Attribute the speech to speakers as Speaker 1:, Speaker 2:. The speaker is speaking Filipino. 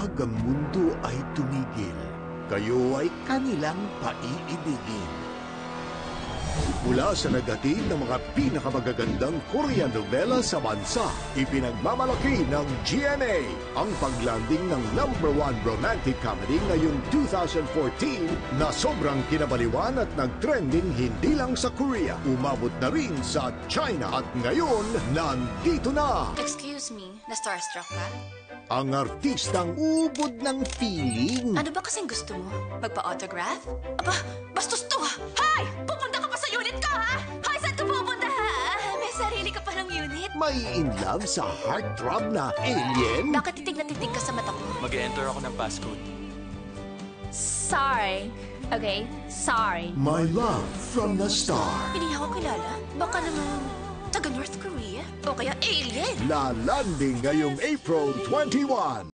Speaker 1: Kapag ang mundo ay tumigil, kayo ay kanilang paiibigin. Mula sa naghatid ng mga pinakamagagandang Korean novela sa bansa, ipinagmamalaki ng GMA ang paglanding ng #1 romantic comedy ngayong 2014 na sobrang kinabaliwan at nag-trending hindi lang sa Korea, umabot na rin sa China at ngayon nandito na
Speaker 2: Excuse me, na-starstruck ka?
Speaker 1: ang artistang ubod ng feeling.
Speaker 2: Ano ba kasing gusto mo? Magpa-autograph? Aba, bastos to ha! Hay! Pupunta ka pa sa unit ko ha! Hay, saan ka pupunta ha? May sarili ka pa ng unit?
Speaker 1: May in love sa heartthrob na alien.
Speaker 2: Bakit titig na titig ka sa mata ko?
Speaker 3: Mag-enter ako ng passcode.
Speaker 4: Sorry. Okay? Sorry.
Speaker 1: My love from the star.
Speaker 2: Hindi ako kilala. Baka naman taga North Korea? O kaya alien?
Speaker 1: Lalanding ngayong April 21.